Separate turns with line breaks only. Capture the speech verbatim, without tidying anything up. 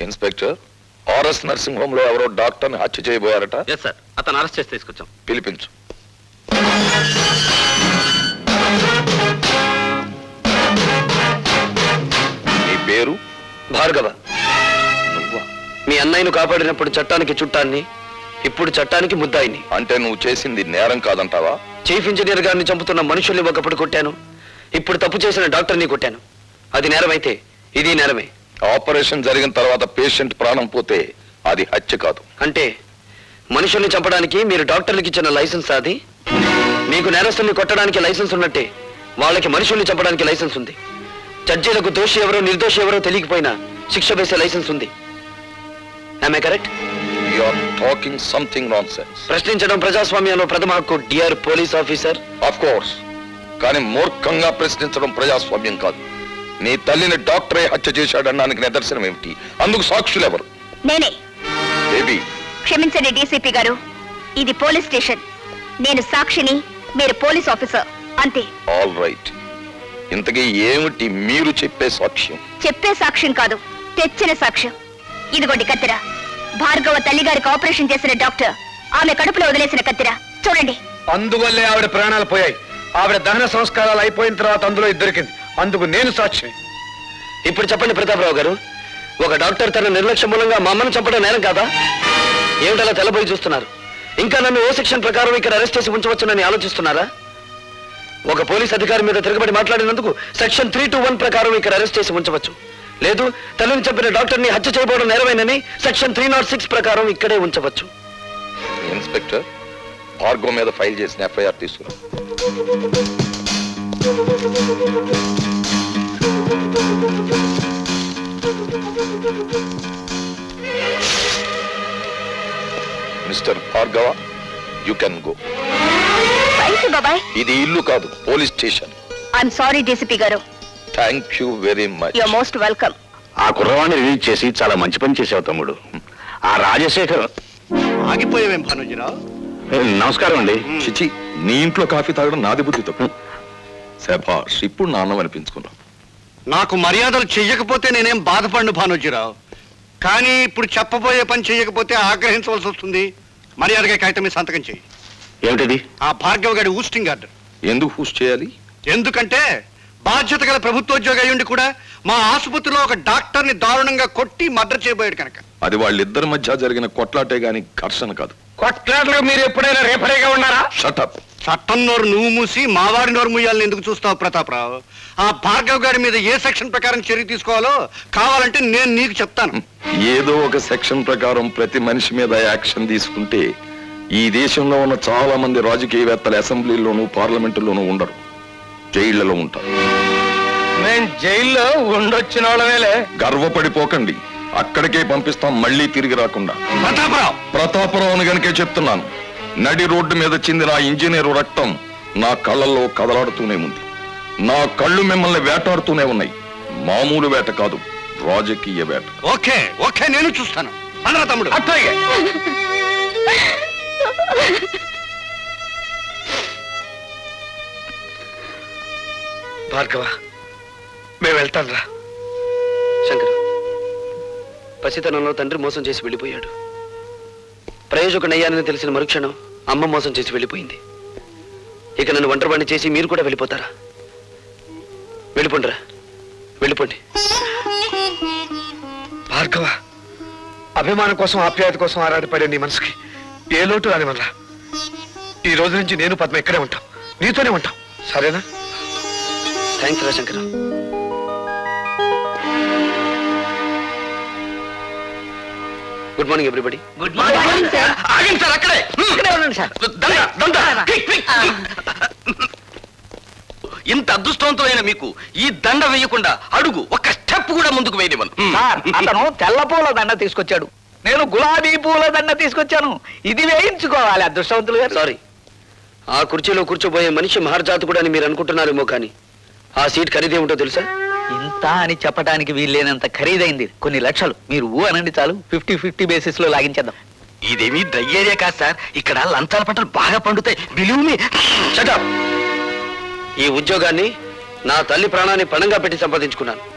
Inspector, RS nursing home లో ఎవరో డాక్టర్ని హత్య చేయబోయారట.
ఎస్ సార్, అతను అరెస్ట్ చేసి తీసుకొచ్చాం.
పిలిపించు. నీ పేరు?
భార్గవ. మీ అన్నయ్యను కాపాడినప్పుడు చట్టానికి చుట్టాన్ని, ఇప్పుడు చట్టానికి ముద్దాయిని.
అంటే నువ్వు చేసింది నేరం కాదంటావా?
చీఫ్ ఇంజనీర్ గారిని చంపుతున్న మనుషుల్ని ఒకప్పుడు కొట్టాను, ఇప్పుడు తప్పు చేసిన డాక్టర్ని కొట్టాను. అది నేరమైతే ఇది నేరమే.
ఆపరేషన్ జరిగిన తర్వాత పేషెంట్ ప్రాణం పోతే అది హత్య కాదు.
అంటే మనుషుల్ని చంపడానికి మీరు డాక్టర్లకి ఇచ్చిన లైసెన్స్ అది? మీకు నేరస్తుల్ని కొట్టడానికి లైసెన్స్ ఉన్నట్టే వాళ్ళకి మనుషుల్ని చంపడానికి లైసెన్స్ ఉంది. జడ్జీలకు దోషి ఎవరో నిర్దోషి ఎవరో తెలియకపోయినా శిక్ష వేసే లైసెన్స్ ఉంది. Am I correct?
You are talking something nonsense.
ప్రశ్నించడం ప్రజాస్వామ్యంలో ప్రథమ హక్కు, dear police officer.
Of course, కానీ మూర్ఖంగా ప్రశ్నించడం ప్రజాస్వామ్యం కాదు. నీ తల్లిని డాక్టరే హత్య చేశాడనడానికి నిదర్శనం ఏమిటి? అందుకు సాక్షులు ఎవరు?
నేనే.
బేబీ,
క్షమించండి డీసీపీ గారు, ఇది పోలీస్ స్టేషన్. నేను సాక్షిని, మీరు పోలీస్ ఆఫీసర్, అంతే.
All right. ఇంతకీ ఏమిటి మీరు చెప్పే సాక్ష్యం?
చెప్పే సాక్ష్యం కాదు, తెచ్చిన సాక్ష్యం. ఇదిగోండి కత్తిర. భార్గవ తల్లిగారికి ఆపరేషన్ చేసిన డాక్టర్ ఆమె కడుపులో వదిలేసిన కత్తిర చూడండి.
అందువల్లే ఆవిడ ప్రాణాలు పోయాయి. ఆవిడ దహన సంస్కారాలు అయిపోయిన తర్వాత అందులో దొరికింది. అందుకు నేను సాక్షి.
ఇప్పుడు చెప్పండి ప్రతాపరావు గారు, ఒక డాక్టర్ తన నిర్లక్ష్యం మూలంగా మా అమ్మను చంపడం నేరం కాదా? ఏమిటలా తెల్లబోయి చూస్తున్నారు? ఇంకా నన్ను ఓ సెక్షన్ ప్రకారం ఇక్కడ అరెస్ట్ చేసి ఉంచవచ్చునని ఆలోచిస్తున్నారా? ఒక పోలీస్ అధికారి మీద తిరగబడి మాట్లాడినందుకు సెక్షన్ త్రీ టూ వన్ ప్రకారం ఇక్కడ అరెస్ట్ చేసి ఉంచవచ్చు. లేదు, తల్లిని చంపిన డాక్టర్ని హత్య చేయబోవడం నేరమేనని సెక్షన్ త్రీ నాట్ సిక్స్ ప్రకారం ఇక్కడే ఉంచవచ్చు.
ఇన్స్పెక్టర్, భార్గవ్ మీద ఫైల్ చేసిన ఎఫ్ఐఆర్ తీసుకురా. Mister Bhargava, you can go.
బాబాయ్,
ఇది ఇల్లు కాదు, police station.
I'm sorry DCP గారు.
Thank you very much.
You are most welcome.
ఆ కుర్రవాణ్ణి రిలీజ్ చేసి చాలా మంచి పని చేసావు తమ్ముడు. ఆ రాజశేఖర్
ఆగిపోయావేం భానుజీరావు?
నమస్కారం అండి.
చిచి, నీ ఇంట్లో కాఫీ తాగడం నాది బుద్ధి తప్పు. శభాష్, ఇప్పుడు నాన్నం అనిపించుకున్నావు.
నాకు మర్యాదలు చెయ్యకపోతే నేనేం బాధపడను భానుజీరావు, కానీ ఇప్పుడు చెప్పబోయే పని చెయ్యకపోతే ఆగ్రహించవలసి వస్తుంది. మర్యాదగా కాగితం మీద సంతకం చెయ్యి.
ఏమిటది?
ఆ భార్గవ్ గారి ఊస్టింగ్ ఆర్డర్.
ఎందుకు పూస్ట్ చేయాలి?
ఎందుకంటే బాధ్యత గల ప్రభుత్వోద్యోగి అయ్యుండి కూడా మా ఆసుపత్రిలో ఒక డాక్టర్ ని దారుణంగా కొట్టి మర్డర్ చేయబోయాడు కనుక.
అది వాళ్ళిద్దరి మధ్య జరిగిన కొట్లాటే గాని ఘర్షణ కాదు.
కొట్లాటలో మీరు ఎప్పుడైనా రేపరేగా ఉన్నారా?
షటప్.
చట్టం నోరు నువ్వు మూసి మావారి నోరు మూయాలని ఎందుకు చూస్తావు ప్రతాపరావు? ఆ భార్గవ్ గారి మీద ఏ సెక్షన్ ప్రకారం చర్య తీసుకోవాలో కావాలంటే నేను నీకు చెప్తాను.
ఏదో ఒక సెక్షన్ ప్రకారం ప్రతి మనిషి మీద యాక్షన్ తీసుకుంటే ఈ దేశంలో ఉన్న చాలా మంది రాజకీయవేత్తలు అసెంబ్లీలోనూ పార్లమెంటులోనూ ఉండరు, జైళ్లలో ఉంటారు.
నేను జైల్లో ఉండొచ్చిన వాళ్ళవేలే.
గర్వపడిపోకండి, అక్కడికే పంపిస్తాం, మళ్ళీ తిరిగి రాకుండా.
ప్రతాపరావు
ప్రతాపరావుని గనుకే చెప్తున్నాను. నడి రోడ్డు మీద చిందిన ఆ ఇంజనీరు రక్తం నా కళ్ళల్లో కదలాడుతూనే ఉంది. నా కళ్ళు మిమ్మల్ని వేటాడుతూనే ఉన్నాయి. మామూలు వేట కాదు, రాజకీయ వేట.
ఓకే ఓకే, నేను చూస్తాను. అన్నరా తమ్ముడు. అట్లాగే.
భార్గవ, మేము వెళ్తాం రా. శంకర్, పసితనంలో తండ్రి మోసం చేసి వెళ్ళిపోయాడు. ప్రయోజకుడయ్యానని తెలిసిన మరుక్షణం అమ్మ మోసం చేసి వెళ్ళిపోయింది. ఇక నన్ను ఒంటరివాణ్ణి చేసి మీరు కూడా వెళ్ళిపోతారా? వెళ్ళిపోండిరా, వెళ్ళిపోండి.
భార్గవ, అభిమానం కోసం ఆప్యాయత కోసం ఆరాటపడే నీ మనసుకి ఏ లోటు రాని వల్ల ఈ రోజు నుంచి నేను పద్మ ఇక్కడే ఉంటాం, నీతోనే ఉంటాం, సరేనా?
థ్యాంక్స్ రా Shankar. Good morning everybody.
Good morning sir.
ఆగండి సార్, అక్కడే
ఇక్కడే ఉండండి సార్.
దండ, దండ. Quick, quick. ఇంత అదృష్టవంతమైన మీకు ఈ దండ వేయకుండా అడుగు ఒక్క స్టెప్ కూడా ముందుకు వేయనివ్వను.
సార్, అతను తెల్ల పూల దండ తీసుకొచ్చాడు, నేను గులాబీ పూల దండ తీసుకొచ్చాను. ఇది వేయించుకోవాలి అదృష్టవంతులు గారు.
సారీ, ఆ కుర్చీలో కూర్చోబోయే మనిషి మహర్జాతకుడు అని మీరు అనుకుంటున్నారేమో, కానీ ఆ సీట్ ఖరీదేమిటో తెలుసా?
ఇంత అని చెప్పడానికి వీల్లేనంత ఖరీదైంది. కొన్ని లక్షలు. మీరు ఊ అనండి చాలు, ఫిఫ్టీ ఫిఫ్టీ బేసిస్ లో లాగించేద్దాం.
ఇదేమీ డ్రై ఏరియా కాదు సార్, ఇక్కడ లంచాల పంటలు బాగా పండుతాయి. Believe me. Shut up. ఈ ఉద్యోగాన్ని నా తల్లి ప్రాణాన్ని పణంగా పెట్టి సంపాదించుకున్నాను.